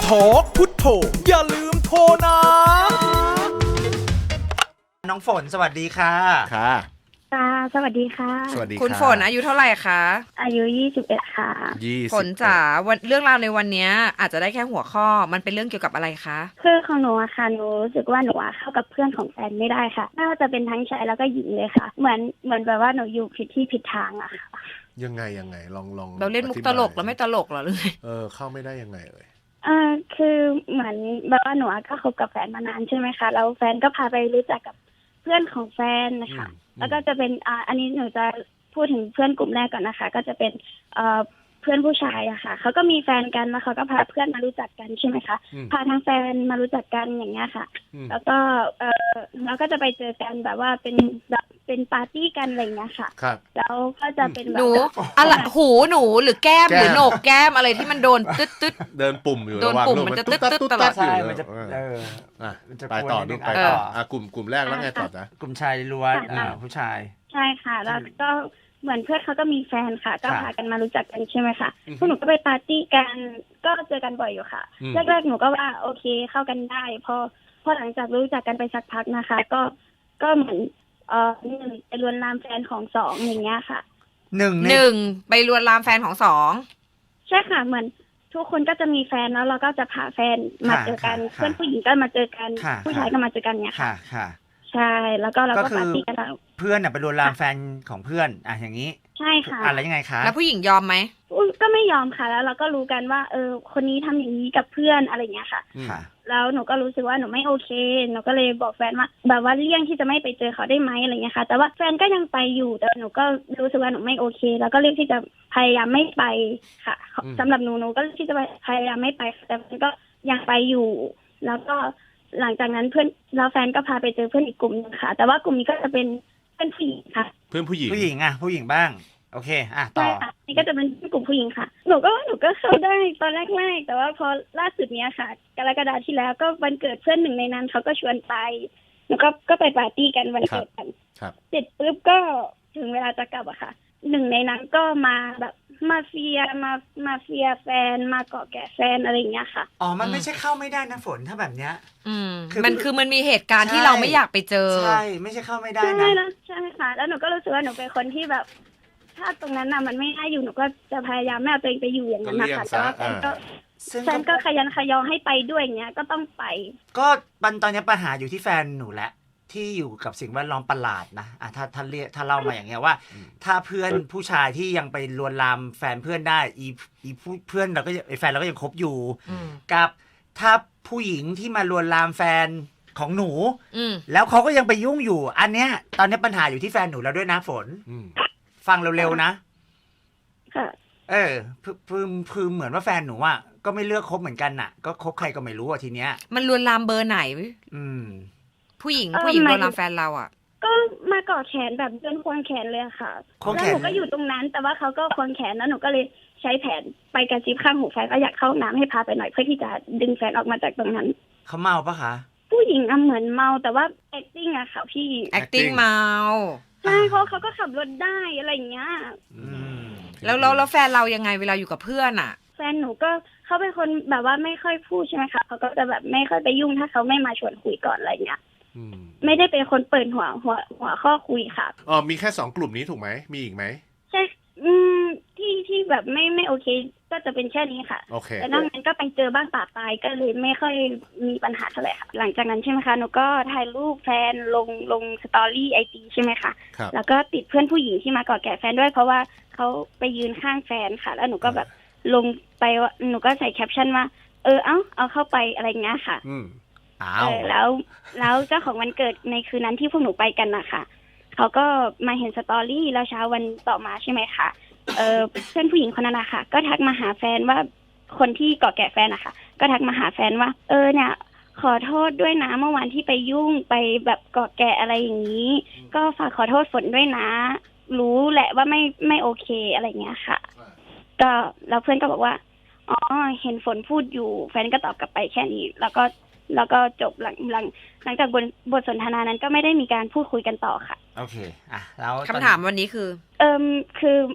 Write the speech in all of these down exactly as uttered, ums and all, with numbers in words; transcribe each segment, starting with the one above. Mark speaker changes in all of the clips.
Speaker 1: ทอกพุทโธอย่าลืมโทรนะ
Speaker 2: น้องฝนสวัสดีค่ะ
Speaker 3: ค่ะ
Speaker 4: ค่ะสวัสดีค่ะ
Speaker 3: สวัสดี
Speaker 5: คุณฝนอายุเท่าไหร่คะ
Speaker 4: อายุยี่สิบเอ็ดค่ะ
Speaker 3: ยี่สิบ
Speaker 5: ฝนจ๋าวันเรื่องราวในวันนี้อาจจะได้แค่หัวข้อมันเป็นเรื่องเกี่ยวกับอะไรคะ
Speaker 4: คือของหนูอะค่ะหนูรู้สึกว่าหนูอะเข้ากับเพื่อนของแฟนไม่ได้ค่ะไม่ว่าจะเป็นทั้งชายแล้วก็หญิงเลยค่ะเหมือนเหมือนแบบว่าหนูอยู่ผิดที่ผิดทางอะค่ะ
Speaker 3: ยังไงยังไงลองลอง
Speaker 5: เราเล่นมุกตลกแล้วไม่ตลกเหรอหรือไง
Speaker 3: เออเข้าไม่ได้ยังไงเอ่ย
Speaker 4: เออคือเหมือนแบบว่าหนูก็คบกับแฟนมานานใช่ไหมคะแล้วแฟนก็พาไปรู้จักกับเพื่อนของแฟนนะคะแล้วก็จะเป็นอ่าอันนี้หนูจะพูดถึงเพื่อนกลุ่มแรกก่อนนะคะก็จะเป็นเอ่อเพื่อนผู้ชายอะค่ะเขาก็มีแฟนกันแล้วเขาก็พาเพื่อนมารู้จักกันใช่ไหมคะพาทั้งแฟนมารู้จักกันอย่างเงี้ยค่ะแล้วก็เออเราก็จะไปเจอกันแบบว่าเป็นแบบเป็นปาร์ตี้กันอะไรเงี้ยค่ะ
Speaker 3: ครับ
Speaker 4: แล้วก็จะเป็นแบบ
Speaker 5: หนูอะไรหูหนูหรือแก้มหรือโหนกแก้มอะไรที่มันโดนตึ๊ดตึ๊ด
Speaker 3: เดินปุ่มอยู่
Speaker 5: โดนปุ่มมันจะตึ๊ดตึ๊ดตลอด
Speaker 2: ใช่มันจะเออ
Speaker 3: อ่ะ
Speaker 2: มันจะ
Speaker 3: ไปต่อดูไปต่ออ่ะกลุ่มกลุ่มแรกแล้วไงต่อจ๊ะ
Speaker 2: กลุ่มชายล้วนอ่าผู้ชาย
Speaker 4: ใช่ค่ะแล้วก็เหมือนเพื่อนเขาก็มีแฟนค่ะก็พากันมารู้จักกันใช่ไหมคะ
Speaker 3: อือฮึ
Speaker 4: พวกหนูก็ไปปาร์ตี้กันก็เจอกันบ่อยอยู่ค่ะ
Speaker 3: อืม
Speaker 4: แรกๆหนูก็ว่าโอเคเข้ากันได้พอพอหลังจากรู้จักกันไปสักพักนะคะ ก็ก็เหมือนเอ่อหนึ่งไปลวนลามแฟนของสองอย่างเงี้ยค่ะ
Speaker 2: หนึ่ง
Speaker 5: หนึ่งไปลวนลามแฟนของสอง
Speaker 4: ใช่ค่ะเหมือนทุกคนก็จะมีแฟนแล้วเราก็จะพาแฟนมาเจอกันเพื่อนผู้หญิงก็มาเจอกันผู้ชายก็มาเจอกันเนี่ยค่ะ
Speaker 2: ค่ะค่ะ
Speaker 4: ใช่แล้วก็เราก็ปาร์ตี้กันแล้ว
Speaker 2: เพื่อนน่ะไปลวนลามแฟนของเพื่อนอ่ะอย่างนี้
Speaker 4: ใช่ค่ะ
Speaker 2: อะไรยังไงคะ
Speaker 5: แล้วผู้หญิงยอมไหม
Speaker 4: ก็ไม่ยอมค่ะแล้วเราก็รู้กันว่าเออคนนี้ทำอย่างนี้กับเพื่อนอะไรอย่างเงี้ยค่ะ
Speaker 2: ค่ะ
Speaker 4: แล้วหนูก็รู้สึกว่าหนูไม่โอเคหนูก็เลยบอกแฟนว่าแบบว่าเลี่ยงที่จะไม่ไปเจอเขาได้ไหมอะไรเงี้ยค่ะแต่ว่าแฟนก็ยังไปอยู่แต่หนูก็รู้สึกว่าหนูไม่โอเคแล้วก็เลือกที่จะพยายามไม่ไปค่ะสำหรับหนูหนูก็เลือกที่จะพยายามไม่ไปแต่มันก็ยังไปอยู่ แล้วก็หลังจากนั้นเพื่อนแล้วแฟนก็พาไปเจอเพื่อนอีกกลุ่มนึงค่ะแต่ว่ากลุ่มนี้ก็จะเป็นเพื่อนผู้หญิงค่ะ
Speaker 3: เพื่อนผู้หญิง
Speaker 2: ผู้หญิงอ่ะผู้หญิงบ้างโอเคอ่ะต่อ
Speaker 4: ใช่ค่ะนี่ก็จะเป็นกลุ่มผู้หญิงค่ะหนูก็ว่าหนูก็เข้าได้ตอนแรกๆแต่ว่าพอล่าสุดเนี้ยค่ะกรกฎาคมที่แล้วก็วันเกิดเพื่อนหนึ่งในนั้นเขาก็ชวนไปแล้วก็ก็ไปปาร์ตี้กันวันเกิดกันเสร็จปุ๊บก็ถึงเวลาจะกลับอะค่ะหนึ่งในนั้นก็มาแบบมาเฟียมามาเฟียแฟนมาเกาะแกะแฟนอะไรอย่างเงี้ยค่ะ
Speaker 2: อ๋อมันไม่ใช่เข้าไม่ได้นะฝนถ้าแบบเนี้ย
Speaker 5: อืมมันคือมันมีเหตุการณ์ที่เราไม่อยากไปเจอ
Speaker 2: ใช่ไม่ใช่เข้าไม่ได้นะ
Speaker 4: ใช่แล้วใช่ค่ะแล้วหนูก็รู้สึกว่าหนูเป็นคนที่แบบถ้าตรงนั้นน่ะมันไม่น่าอยู่หนูก็จะพยายามไม่เอาตัวเองไปอยู่อย่างนั้นนะคะแต่ว่าแฟนก็แฟนก็ขยันขยอให้ไปด้วยอย่างเงี้ยก็ต้องไป
Speaker 2: ก็ปันตอนนี้ปัญหาอยู่ที่แฟนหนูแหละที่อยู่กับสิ่งแวดล้อมประหลาดนะอ่ะถ้าถ้าเรียกถ้าเล่ามาอย่างเงี้ยว่าถ้าเพื่อนผู้ชายที่ยังไปลวนลามแฟนเพื่อนได้อีอีเพื่อนเราก็ไอแฟนเราก็ยังคบอยู่กับถ้าผู้หญิงที่มาลวนลามแฟนของหนูแล้วเขาก็ยังไปยุ่งอยู่อันเนี้ยตอนนี้ปัญหาอยู่ที่แฟนหนูแล้วด้วยนะฝนฟังเร็วๆนะ
Speaker 4: ค่ะ
Speaker 2: เออคือคือเหมือนว่าแฟนหนูอ่ะก็ไม่เลือกคบเหมือนกันน่ะก็คบใครก็ไม่รู้อ่ะทีเนี้ย
Speaker 5: มันลวนลามเบอร์ไหน
Speaker 2: อืม
Speaker 5: ผู้หญิงผู้หญิงลวนลามแฟนเราอ่ะ
Speaker 4: ก็มาเกาะแขนแบบเดินควงแขนเลยค่ะแล้วหนูก็อยู่ตรงนั้นแต่ว่าเขาก็ควงแขนแล้วหนูก็เลยใช้แผนไปกระซิบข้างหูแฟนว่าอยากเข้าน้ำให้พาไปหน่อยเพื่อที่จะดึงแฟนออกมาจากตรงนั้น
Speaker 2: เขาเมาปะคะ
Speaker 4: ผู้หญิงอะเหมือนเมาแต่ว่า acting อะค่ะพี่
Speaker 5: acting เมา
Speaker 4: ใช่เพราะเขาก็ขับรถได้อะไรอย่างเงี้ย
Speaker 5: แล้วแล้วแล้วแฟนเรายังไงเวลาอยู่กับเพื่อนอ่ะ
Speaker 4: แฟนหนูก็เขาเป็นคนแบบว่าไม่ค่อยพูดใช่ไหมคะเขาก็จะแบบไม่ค่อยไปยุ่งถ้าเขาไม่มาชวนคุยก่อนอะไรเงี้ยไม่ได้เป็นคนเปิดหัวหัวหัวข้อคุยค่ะ
Speaker 3: อ๋อมีแค่สองกลุ่มนี้ถูกไหมมีอีกไหม
Speaker 4: ใช่อืมที่ที่แบบไม่ไม่โอเคก็จะเป็นแค่นี้ค่ะ
Speaker 3: โอเค
Speaker 4: แต่นอกนั้นก็ไปเจอบ้างป่าปลายก็เลยไม่ค่อยมีปัญหาเท่าไหร่ค่ะหลังจากนั้นใช่ไหมคะหนูก็ถ่ายรูปแฟนลงลงสตอรี่ไอจีใช่ไหมคะแล้วก็ติดเพื่อนผู้หญิงที่มาเกาะแกะแฟนด้วยเพราะว่าเขาไปยืนข้างแฟนค่ะแล้วหนูก็แบบลงไปว่าหนูก็ใส่แคปชั่นว่าเออเอ้าเอาเข้าไปอะไรเงี้ยค่ะ
Speaker 3: อืม
Speaker 2: อ้าว
Speaker 4: แล้วแล้วเจ้าของวันเกิดในคืนนั้นที่พวกหนูไปกันนะคะเขาก็มาเห็นสตอรี่แล้วเช้าวันต่อมาใช่ไหมคะเออเพื่อนผู้หญิงคนนั้นนะคะก็ทักมาหาแฟนว่าคนที่เกาะแกะแฟนนะคะก็ทักมาหาแฟนว่าเออเนี่ยขอโทษด้วยนะเมื่อวานที่ไปยุ่งไปแบบเกาะแกะอะไรอย่างนี้ก็ฝากขอโทษฝนด้วยนะรู้แหละว่าไม่ไม่โอเคอะไรเงี้ยค่ะก็แล้วเพื่อนก็บอกว่าอ๋อเห็นฝนพูดอยู่แฟนก็ตอบกลับไปแค่นี้แล้วก็แล้วก็จบหลังหลังหลังจากบทบทสนทนานั้นก็ไม่ได้มีการพูดคุยกันต่อค่ะ
Speaker 2: โอเคอ่ะแล้ว
Speaker 5: คำถามวันนี้คือ
Speaker 4: เอิมคือ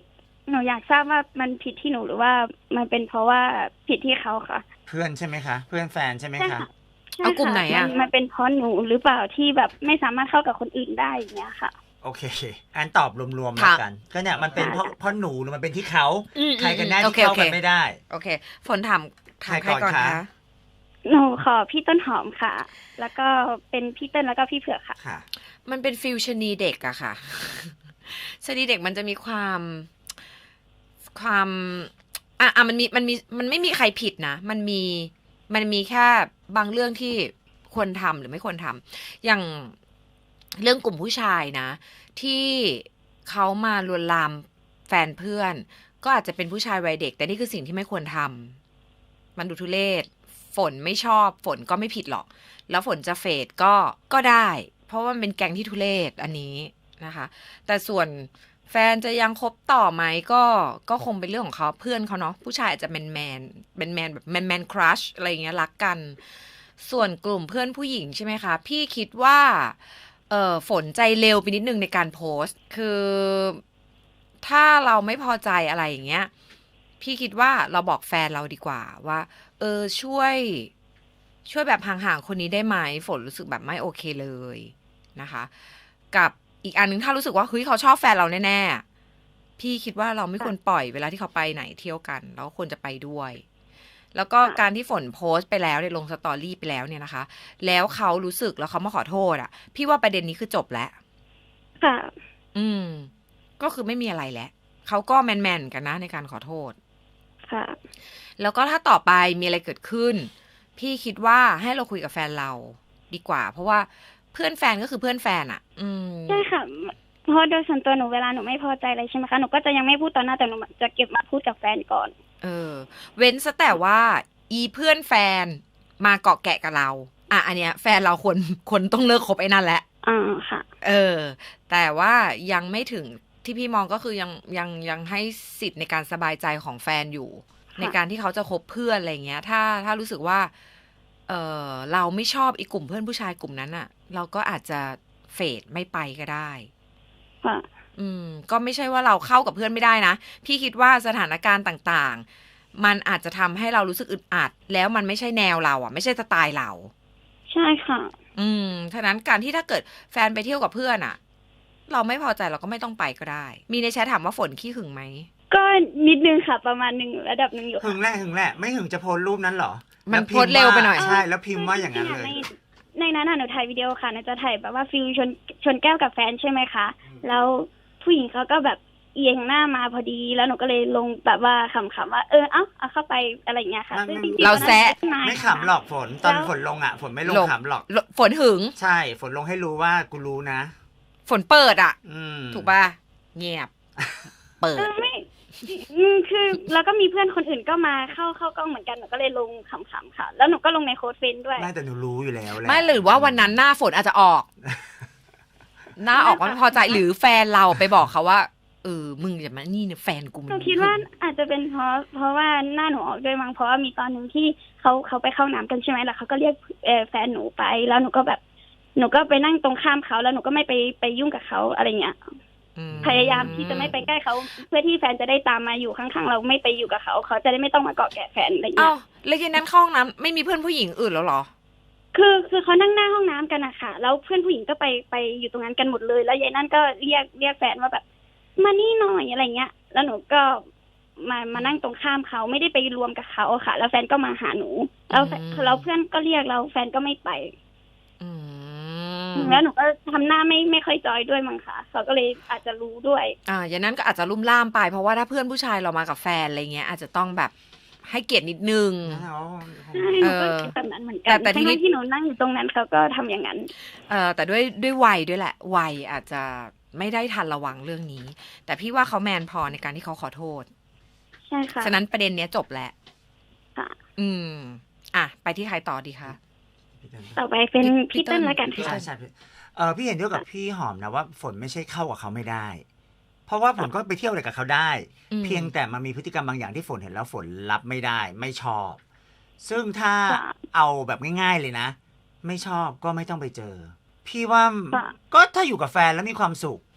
Speaker 4: หนูอยากทราบว่ามันผิดที่หนูหรือว่ามันเป็นเพราะว่าผิดที่เขาค่ะ
Speaker 2: เพื่อนใช่ไหมคะเพื่อนแฟนใช่ไหม
Speaker 4: ใช่
Speaker 2: คะ
Speaker 4: ค่ะใช่
Speaker 5: เอากลุ่ม
Speaker 4: ค่ะ
Speaker 5: ไหนอะ
Speaker 4: มันมันเป็นเพราะหนูหรือเปล่าที่แบบไม่สามารถเข้ากับคนอื่นได้อย่างเงี้ยค่ะ
Speaker 2: โอเคอันตอบรวมๆแล้วกัน ก็เนี่ยมันเป็นเพราะเพราะหนูหรือมันเป็นที่เขา
Speaker 5: อืม
Speaker 2: ใครกันแน่
Speaker 5: โอ
Speaker 2: ที่
Speaker 5: เค
Speaker 2: เข้า
Speaker 5: โอเค
Speaker 2: กันไม่ได้
Speaker 5: โอเค ฝนถามถามใค
Speaker 2: ใค
Speaker 5: ร
Speaker 2: รก่
Speaker 5: ก่อ
Speaker 2: อน นคะ
Speaker 5: คะ
Speaker 4: หนูขอพี่ต้นหอมค่ะ แล้วก็เป็นพี่เติ้ลแล้วก็พี่เผือกค่ะ
Speaker 2: ค่ะ
Speaker 5: มันเป็นฟิลชะนีเด็กอะค่ะ ชะนีเด็กมันจะมีความความอ่ะอ่ะมันมีมันมีมันไม่มีใครผิดนะ มันมีมันมีแค่บางเรื่องที่ควรทำหรือไม่ควรทำอย่างเรื่องกลุ่มผู้ชายนะ ที่เขามาลวนลามแฟนเพื่อน ก็อาจจะเป็นผู้ชายวัยเด็ก แต่นี่คือสิ่งที่ไม่ควรทำมันดูทุเรศฝนไม่ชอบฝนก็ไม่ผิดหรอก แล้วฝนจะเฟดก็ก็ได้ เพราะว่ามันเป็นแก๊งที่ทุเรศอันนี้นะคะ แต่ส่วนแฟนจะยังคบต่อไหมก็ก็คงเป็นเรื่องของเขาเพื่อนเขาเนาะผู้ชายอาจจะแมนแมนเป็นแมนแบบแมนแมนครัชอะไรอย่างเงี้ยรักกัน ส่วนกลุ่มเพื่อนผู้หญิงใช่ไหมคะ พี่คิดว่าเออฝนใจเร็วไปนิดนึงในการโพสต์ คือถ้าเราไม่พอใจอะไรอย่างเงี้ยพี่คิดว่าเราบอกแฟนเราดีกว่าว่า เออช่วย ช่วยแบบห่างๆคนนี้ได้ไหมฝนรู้สึกแบบไม่โอเคเลยนะคะ กับอีกอันนึงถ้ารู้สึกว่าเฮ้ยเขาชอบแฟนเราแน่ๆพี่คิดว่าเราไม่ควรปล่อยเวลาที่เขาไปไหนเที่ยวกันแล้วควรจะไปด้วย แล้วก็การที่ฝนโพสต์ไปแล้วในลงสตอรี่ไปแล้วเนี่ยนะคะ แล้วเขารู้สึกแล้วเขามาขอโทษอ่ะ พี่ว่าประเด็นนี้คือจบแล้ว
Speaker 4: ค่ะ
Speaker 5: อืม ก็คือไม่มีอะไรแล้วเขาก็แมนๆกันนะในการขอโทษ
Speaker 4: ค่ะ
Speaker 5: แล้วก็ถ้าต่อไปมีอะไรเกิดขึ้น พี่คิดว่าให้เราคุยกับแฟนเราดีกว่า เพราะว่าเพื่อนแฟนก็คือเพื่อนแฟนอ่ะ อืม
Speaker 4: ใช่ค่ะ เพราะโดยส่วนตัวหนูเวลาหนูไม่พอใจอะไรใช่ไหมคะ หนูก็จะยังไม่พูดต่อหน้าแต่หนูจะเก็บมาพูดกับแฟนก่อน
Speaker 5: เออ เว้นซะแต่ว่า อีเพื่อนแฟนมาเกาะแกะกับเรา อ่ะ อันเนี้ยแฟนเราคนคนต้องเลิกคบไอ้นั่นแหละ
Speaker 4: อ่าค่ะ
Speaker 5: เออ แต่ว่ายังไม่ถึงที่พี่มองก็คือยังยังยังให้สิทธิ์ในการสบายใจของแฟนอยู่
Speaker 4: ค่ะ
Speaker 5: ในการที่เขาจะคบเพื่อนอะไรเงี้ย ถ้าถ้ารู้สึกว่า เออเราไม่ชอบอีกกลุ่มเพื่อนผู้ชายกลุ่มนั้นอะเราก็อาจจะเฟดไม่ไปก็ได้
Speaker 4: ค่ะ
Speaker 5: อืม ก็ไม่ใช่ว่าเราเข้ากับเพื่อนไม่ได้นะ พี่คิดว่าสถานการณ์ต่างๆ มันอาจจะทำให้เรารู้สึกอึดอัด แล้วมันไม่ใช่แนวเราอ่ะ ไม่ใช่สไตล์เรา
Speaker 4: ใช่ค่ะ
Speaker 5: อืมฉะนั้นการที่ถ้าเกิดแฟนไปเที่ยวกับเพื่อนอ่ะ เราไม่พอใจเราก็ไม่ต้องไปก็ได้ มีในแชทถามว่าฝนขี้หึงไหม
Speaker 4: ก็นิดนึงค่ะ ประมาณหนึ่งระดับหนึ่งอยู่
Speaker 2: หึงแหละหึงแหละไม่หึงจะโพสต์รูปนั้นเหรอ
Speaker 5: มัน
Speaker 2: แล้พิ
Speaker 5: โพสต์เร็วไปหน่อย
Speaker 2: ใช่แล้วพิมพ์ว่าอย่างนั้นเลย
Speaker 4: ในในนั้นน่ะหนูถ่ายวิดีโอค่ะหนูจะถ่ายแบบว่าฟิลชนชนแก้วกับแฟนใช่ไหมคะ แล้วผู้หญิงเขาก็แบบเอียงหน้ามาพอดี แล้วหนูก็เลยลงแบบว่าขำๆว่าเออเอ้าเอาเข้าไปอะไรอย่างเงี้ยค่ะ
Speaker 2: มัน
Speaker 4: ซึ่งจงๆ
Speaker 5: เราแซะ
Speaker 4: ตอนนั้น
Speaker 2: ไม่ขำหรอกฝนตอนฝนลงอ่ะฝนไม่ลง
Speaker 5: ลง
Speaker 2: ขำหรอก
Speaker 5: ฝนหึง
Speaker 2: ใช่ฝนลงให้รู้ว่ากูรู้นะ
Speaker 5: ฝนเปิดอ่ะ
Speaker 2: อืม
Speaker 5: ถูกป่ะ เงียบ เปิ
Speaker 4: เอ
Speaker 5: ด
Speaker 4: อไม่อืมคือแล้วก็มีเพื่อนคนอื่นก็มาเข้าเข้ากล้องเหมือนกันหนูก็เลยลงขำๆค่ะ แล้วหนูก็ลงในโค้ดเฟนด้วย
Speaker 2: ไม่แต่หนูรู้อยู่แล้วแหละ
Speaker 5: ไม่หรือว่าวันนั้นหน้าฝนอาจจะออก หน้าออกว่าไม่พอใจหรือแฟนเราไปบอกเขาว่าเออมึงอย่ามานี่เนี่ยแฟนกูมัน
Speaker 4: หนูคิดว่าอาจจะเป็นเพราะเพราะว่าหน้าหนูออกด้วยมั้งเพราะว่ามีตอนหนึ่งที่เขาเขาไปเข้าน้ำกันใช่ไหมแล้วเขาก็เรียกเอ่อแฟนหนูไป แล้วหนูก็แบบ หนูก็ไปนั่งตรงข้ามเขาแล้วหนูก็ไม่ไปไปยุ่งกับเขาอะไรเงี้ย
Speaker 5: อืม
Speaker 4: พยายามที่จะไม่ไปใกล้เขาเพื่อที่แฟนจะได้ตามมาอยู่ข้างๆเราไม่ไปอยู่กับเขาเขาจะได้ไม่ต้องมาเกาะแกะแฟนอะไร
Speaker 5: เอ้า
Speaker 4: เงี้ย
Speaker 5: แล้วยันนั้นเข้าห้องน้ำไม่มีเพื่อนผู้หญิงอื่นแล้วเหรอ
Speaker 4: คือคือเขานั่งหน้าห้องน้ำกันอะค่ะแล้วเพื่อนผู้หญิงก็ไปไปอยู่ตรงนั้นกันหมดเลย แล้วยายนั่นก็เรียกเรียกแฟนว่าแบบมานี่หน่อยอะไรเงี้ย แล้วหนูก็มามานั่งตรงข้ามเขาไม่ได้ไปรวมกับเขาค่ะ แล้วแฟนก็มาหาหนูแล้วแฟน
Speaker 5: อืม
Speaker 4: แล้วเพื่อนก็เรียกเราแฟนก็ไม่ไป
Speaker 5: อืม
Speaker 4: แล้วหนูก็ทำหน้าไม่ไม่ค่อยจอยด้วยมั้งค่ะเขาก็เลยอาจจะรู้ด้วย
Speaker 5: อ่าอย่างนั้นก็อาจจะลุ่มล่ามไปเพราะว่าถ้าเพื่อนผู้ชายเรามากับแฟนอะไรเงี้ย อาจจะต้องแบบให้เกียรตินิดนึง
Speaker 4: ใช่หนูก็คิดแบบนั้นเหมือนกั
Speaker 5: แต่
Speaker 4: น
Speaker 5: แต่ทีนี้
Speaker 4: ทั้งๆที่หนูนั่งอยู่ตรงนั้นเขาก็ทำอย่างนั้น
Speaker 5: เอ่อแต่ด้วยด้วยวัยด้วยแหละวัยอาจจะไม่ได้ทันระวังเรื่องนี้ แต่พี่ว่าเขาแมนพอในการที่เขาขอโทษ
Speaker 4: ใช่ค่ะ
Speaker 5: ฉะนั้นประเด็นเนี้ยจบแล้ว
Speaker 4: ค่ะ
Speaker 5: อืม อ่ะ ไปที่ใครต่อดีคะ
Speaker 4: ต่อไปเป็น
Speaker 5: พี่
Speaker 4: พี่
Speaker 5: เติ้
Speaker 4: เติ้
Speaker 5: ล
Speaker 4: ลแล้วกัน
Speaker 2: ใช่
Speaker 4: ค่ะ
Speaker 2: ใช่เออพี่เห็นด้วยกับพี่หอมนะว่าฝนไม่ใช่เข้ากับเขาไม่ได้ เพราะว่าฝนก็ไปเที่ยวอะไรกับเขาได้
Speaker 5: อืม
Speaker 2: เพียงแต่มันมีพฤติกรรมบางอย่างที่ฝนเห็นแล้วฝนรับไม่ได้ ไม่ชอบ ซึ่งถ้า
Speaker 4: ค่ะ
Speaker 2: เอาแบบง่าย ๆเลยนะ ไม่ชอบก็ไม่ต้องไปเจอ พี่ว่า
Speaker 4: ค่ะ
Speaker 2: ก็ถ้าอยู่กับแฟนแล้วมีความสุข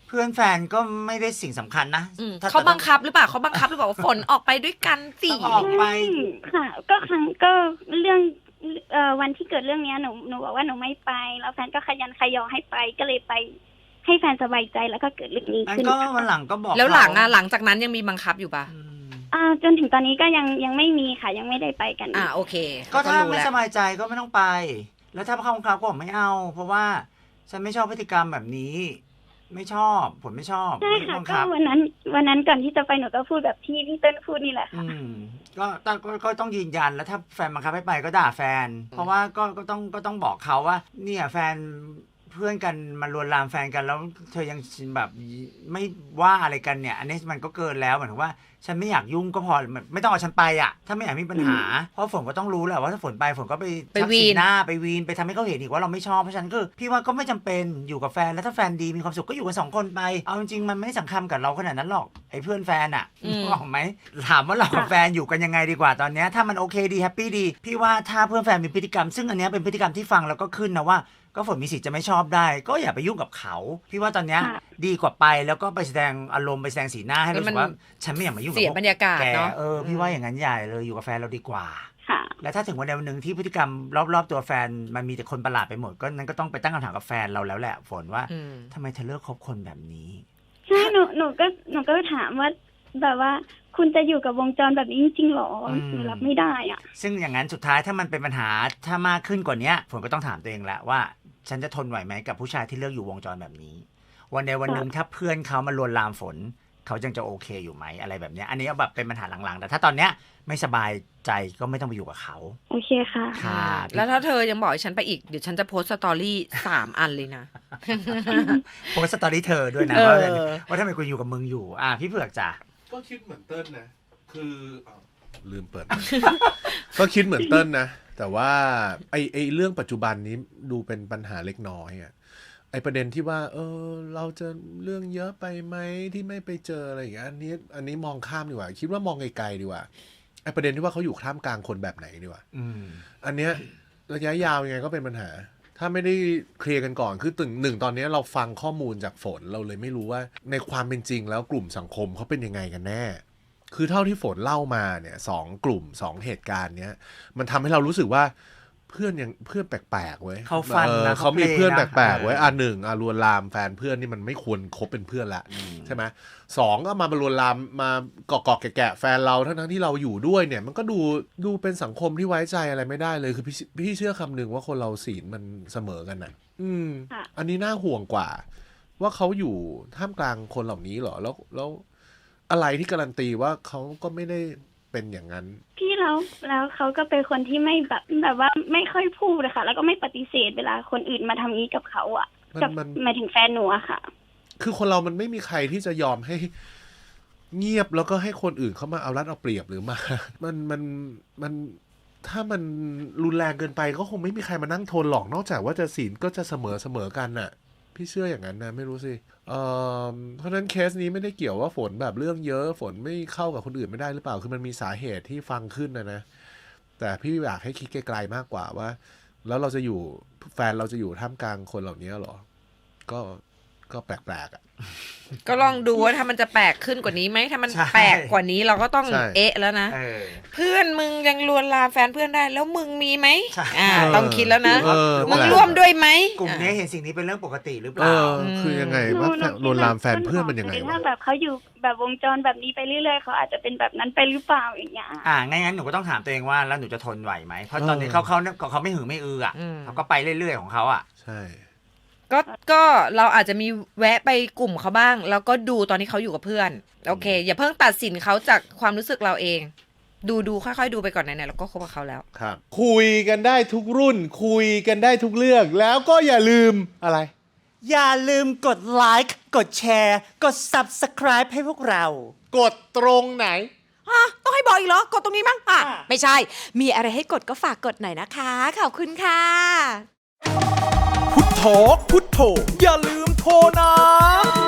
Speaker 2: เพื่อนแฟนก็ไม่ได้สิ่งสำคัญนะ
Speaker 5: อืม
Speaker 2: ถ้
Speaker 5: เขาบังคับหรือเปล่าเขาบังคับหรือเปล่าว่าฝนออกไปด้วยกันสิ
Speaker 2: ต้องออกไป
Speaker 4: ค่ะ ก็ครั้งก็เรื่องเอ่อวันที่เกิดเรื่องเนี้ยหนูหนูบอกว่าหนูไม่ไป แล้วแฟนก็ขยันขยอให้ไปก็เลยไปให้แฟนสบายใจแล้วก็เกิดเรื่องนี้
Speaker 2: งั้น
Speaker 4: ขึ้น
Speaker 2: ก็
Speaker 4: ค่ะ
Speaker 2: วันหลังก็บอก
Speaker 5: แล้วหลังอ่ะ
Speaker 2: เขา
Speaker 5: หลังจากนั้นยังมีบังคับอยู่ปะ
Speaker 2: อืม
Speaker 4: อ่าจนถึงตอนนี้ก็ยังยังไม่มีค่ะ ยังไม่ได้ไปกัน
Speaker 5: อ่าโอเค
Speaker 2: ก็ถ้า
Speaker 5: รู้
Speaker 2: ไม่
Speaker 5: แล้ว
Speaker 2: สบายใจก็ไม่ต้องไป แล้วถ้าเขาบังคับก็บอกไม่เอา เพราะว่าฉันไม่ชอบพฤติกรรมแบบนี้ ไม่ชอบผมไม่ชอบ
Speaker 4: ใช่
Speaker 2: ไม่
Speaker 4: ค่ะ
Speaker 2: บัง
Speaker 4: ก็
Speaker 2: คับ
Speaker 4: วันนั้น วันนั้นก่อนที่จะไปหนูก็พูดแบบที่พี่เติ้ลพูดนี่แหละค่ะ
Speaker 2: อืมก็ต้องก็ก็ต้องยืนยันแล้วถ้าแฟนบังคับให้ไปก็ด่าแฟน เพราะว่าก็ก็ต้องก็ต้องบอกเขาว่า เนี่ยแฟนเพื่อนกันมาลวนลามแฟนกันแล้วเธอยังแบบไม่ว่าอะไรกันเนี่ย อันนี้มันก็เกินแล้วเหมือนว่าฉันไม่อยากยุ่งก็พอไม่ต้องเอาฉันไปอ่ะถ้าไม่อยากมีปัญหา เพราะฝนก็ต้องรู้แหละว่าถ้าฝนไปฝนก็ไป
Speaker 5: ไป
Speaker 2: ชัก
Speaker 5: วี
Speaker 2: สี
Speaker 5: น
Speaker 2: หน้าไปวีนไปทำให้เขาเห็นอีกว่าเราไม่ชอบเพราะฉะนั้นก็พี่ว่าก็ไม่จำเป็นอยู่กับแฟนแล้วถ้าแฟนดีมีความสุขก็อยู่กันสองคนไปเอาจริงๆมันไม่สำคัญกับเราขนาดนั้นหรอกไอ้เพื่อนแฟนอ่ะนึกออกไหมถามว่าเรากับแฟนอยู่กันยังไงดีกว่าตอนเนี้ยถ้ามันโอเคดีแฮปปี้ดีพี่ว่าถ้าเพื่อนแฟนมีพฤติกรรมซึ่งอันเนี้ยเป็นพฤติกรรมที่ฟังแล้วก็ขึ้นนะว่าก็ฝนมีสิทธิ์จะไม่ชอบได้ ก็อย่าไปยุ่งกับเขา พี่ว่าตอนเนี้ย
Speaker 4: ค่ะ
Speaker 2: ดีกว่าไปแล้วก็ไปแสดงอารมณ์ไปแสดงสีหน้าให้รู้สึกว่าฉันไม่อยากมายุ่งกับ
Speaker 5: เสีย
Speaker 2: พวก
Speaker 5: บรรยากาศ
Speaker 2: แก
Speaker 5: เนาะ
Speaker 2: เออพี่ว่าอย่างนั้นใหญ่เลยอยู่กับแฟนเราดีกว่า
Speaker 4: ค่ะ
Speaker 2: แล้วถ้าถึงวันใดวันหนึ่งที่พฤติกรรมรอบๆตัวแฟนมันมีแต่คนประหลาดไปหมดก็นั้นก็ต้องไปตั้งคำถามกับแฟนเราแล้วแหละฝนว่า
Speaker 5: อืม
Speaker 2: ทำไมเธอเลิกคบคนแบบนี้
Speaker 4: ใช่หนูหนูก็หนูก็ถามว่าแบบว่าคุณจะอยู่กับวงจรแบบนี้จริงๆหรอ
Speaker 2: อืม
Speaker 4: หนูรับไม่ได้อ่ะ
Speaker 2: ซึ่งอย่างนั้นสุดท้ายถ้ามันเป็นปัญหาถ้ามากขึ้นกว่านี้ฝนก็ต้องถามตัวเองแล้วว่าฉันจะทนไหวไหมกับผู้ชายที่เลือกอยู่วงจรแบบนี้ วันใดวันหนึ่งถ้าเพื่อนเขามาลวนลามฝนเขายังจะโอเคอยู่ไหมอะไรแบบเนี้ยอันนี้ก็แบบเป็นปัญหาหลังๆแต่ถ้าตอนเนี้ยไม่สบายใจก็ไม่ต้องไปอยู่กับเขา
Speaker 4: โอเคค่ะ
Speaker 2: ค่ะ
Speaker 5: แล้วถ้าเธอยังบอกให้ฉันไปอีกเดี๋ยวฉันจะโพสต์สตอรี่สามอันเลยนะ
Speaker 2: โพสต์สตอรี่เธอด้วยนะ
Speaker 5: เออ
Speaker 2: ว่าว่าทำไมกูอยู่กับมึงอยู่อ่ะพี่เผือกจ้ะ
Speaker 3: ก็คิดเหมือนเติ้ลนะ คืออ้าวลืมเปิด ก็คิดเหมือนเติ้ลนะ แต่ว่าไอไอเรื่องปัจจุบันนี้ดูเป็นปัญหาเล็กน้อยอะไอประเด็นที่ว่า เออ เราจะเรื่องเยอะไปไหมที่ไม่ไปเจออะไรอย่างเงี้ยอันนี้ อันนี้มองข้ามดีกว่า คิดว่ามองไกลๆดีกว่าไอประเด็นที่ว่าเขาอยู่ท่ามกลางคนแบบไหนดีกว่า
Speaker 2: อืม
Speaker 3: อันเนี้ยระยะยาวยังไงก็เป็นปัญหา ถ้าไม่ได้เคลียร์กันก่อนคือตึงหนึ่งตอนนี้เราฟังข้อมูลจากฝนเราเลยไม่รู้ว่าในความเป็นจริงแล้วกลุ่มสังคมเขาเป็นยังไงกันแน่ คือเท่าที่ฝนเล่ามาเนี่ยสองกลุ่มสองเหตุการณ์เนี้ยมันทำให้เรารู้สึกว่าเพื่อนยังเพื่อนแปลกๆเว้ย
Speaker 2: เขาฟัน
Speaker 3: ออ
Speaker 2: นะ
Speaker 3: เขามีเพื่อน
Speaker 2: เขา
Speaker 3: แป
Speaker 2: เพล
Speaker 3: ล
Speaker 2: ง
Speaker 3: ก
Speaker 2: นะ
Speaker 3: ๆเว้ย
Speaker 2: เอออ่
Speaker 3: อ่ะหนึ่งอ่ะลวนลามแฟนเพื่อนนี่มันไม่ควรคบเป็นเพื่อนละ
Speaker 2: อืม
Speaker 3: ใช่ไหมสองก็มาลวนลามมาเกาะเกาะแกะๆแฟนเราทั้งๆที่เราอยู่ด้วยเนี่ยมันก็ดูดูเป็นสังคมที่ไว้ใจอะไรไม่ได้เลยคือพี่พี่เชื่อคำหนึ่งว่าคนเราศีลมันเสมอกันน่ะ อืม
Speaker 4: ค่ะ
Speaker 3: อันนี้น่าห่วงกว่า ว่าเขาอยู่ท่ามกลางคนเหล่านี้เหรอแล้วแล้วอะไรที่การันตีว่าเขาก็ไม่ได้เป็นอย่างนั้น
Speaker 4: พี่แล้วแล้วเขาก็เป็นคนที่ไม่แบบแบบว่าไม่ค่อยพูดอะค่ะ แล้วก็ไม่ปฏิเสธเวลาคนอื่นมาทำนี้กับเขาอะ
Speaker 3: มัน
Speaker 4: กับ
Speaker 3: มัน
Speaker 4: หมายถึงแฟนหนูอะค่ะ
Speaker 3: คือคนเรามันไม่มีใครที่จะยอมให้เงียบแล้วก็ให้คนอื่นเขามาเอารัดเอาเปรียบหรือมา มันมันมันถ้ามันรุนแรงเกินไปก็คงไม่มีใครมานั่งทนหรอกนอกจากว่าจะศีลก็จะเสมอเสมอกันน่ะ พี่เชื่ออย่างนั้นนะไม่รู้สิเอ่อเพราะฉะนั้นเคสนี้ไม่ได้เกี่ยวว่าฝนแบบเรื่องเยอะฝนไม่เข้ากับคนอื่นไม่ได้หรือเปล่าคือมันมีสาเหตุที่ฟังขึ้นนะนะแต่พี่อยากให้คิดไกลๆมากกว่าว่า แล้วเราจะอยู่แฟนเราจะอยู่ท่ามกลางคนเหล่านี้เหรอก็ก็แปลกๆอ่ะ
Speaker 5: ก็ลองดูว่าถ้ามันจะแปลกขึ้นกว่านี้ไหมถ้ามัน
Speaker 2: ใช่
Speaker 5: แปลกกว่านี้เราก็ต้อง
Speaker 3: ใช่
Speaker 5: เอ๊ะแล้วนะ
Speaker 2: เออ
Speaker 5: เพื่อนมึงยังลวนลามแฟนเพื่อนได้แล้วมึงมีไหม
Speaker 2: ใช่
Speaker 5: อ่าต้องคิดแล้วนะ
Speaker 3: เออ
Speaker 5: มึง
Speaker 3: แปลก
Speaker 5: ร่วมด้วยไหม
Speaker 2: กลุ่มนี้เห็นสิ่งนี้เป็นเรื่องปกติหรือเป
Speaker 3: เอ
Speaker 2: ล่า
Speaker 3: อคือยังไงว่าแฟนลวนลามแฟนเพื่อนมันยังไง
Speaker 4: ถ้าว
Speaker 3: ะ
Speaker 4: แบบเขาอยู่แบบวงจรแบบนี้ไปเรื่อยๆเขาอาจจะเป็นแบบนั้นไปหรือเปล่าอย่างเงี้ย
Speaker 2: อ่างั้นงั้นหนูก็ต้องถามตัวเองว่าแล้วหนูจะทนไหวไหมเพราะตอนนี้
Speaker 3: เออ
Speaker 2: เขาเขาเขาเขาไม่หือไม่อืออ่ะ
Speaker 5: อืม
Speaker 2: เขาก็ไปเรื่อยๆของเขาอ่ะ
Speaker 3: ใช่
Speaker 5: ก็ก็เราอาจจะมีแวะไปกลุ่มเขาบ้าง แล้วก็ดูตอนที่เขาอยู่กับเพื่อนโอเค อย่าเพิ่งตัดสินเขาจากความรู้สึกเราเอง ดูดูค่อยๆดูไปก่อนไหนๆเราก็คบกับเขาแล้ว
Speaker 3: ครับ คุยกันได้ทุกรุ่น คุยกันได้ทุกเรื่องแล้วก็อย่าลืมอะไร
Speaker 1: อย่าลืมกดไลค์กดแชร์กด Subscribe ให้พวกเรา
Speaker 3: กดตรงไหน
Speaker 6: ฮะต้องให้บอกอีกเหรอ กดตรงนี้มั้งอ่ะ
Speaker 1: อ่ะ
Speaker 6: ไม่ใช่ มีอะไรให้กดก็ฝากกดหน่อยนะคะ ขอบคุณค่ะ
Speaker 1: พุทโธพุทโธอย่าลืมโทรนะ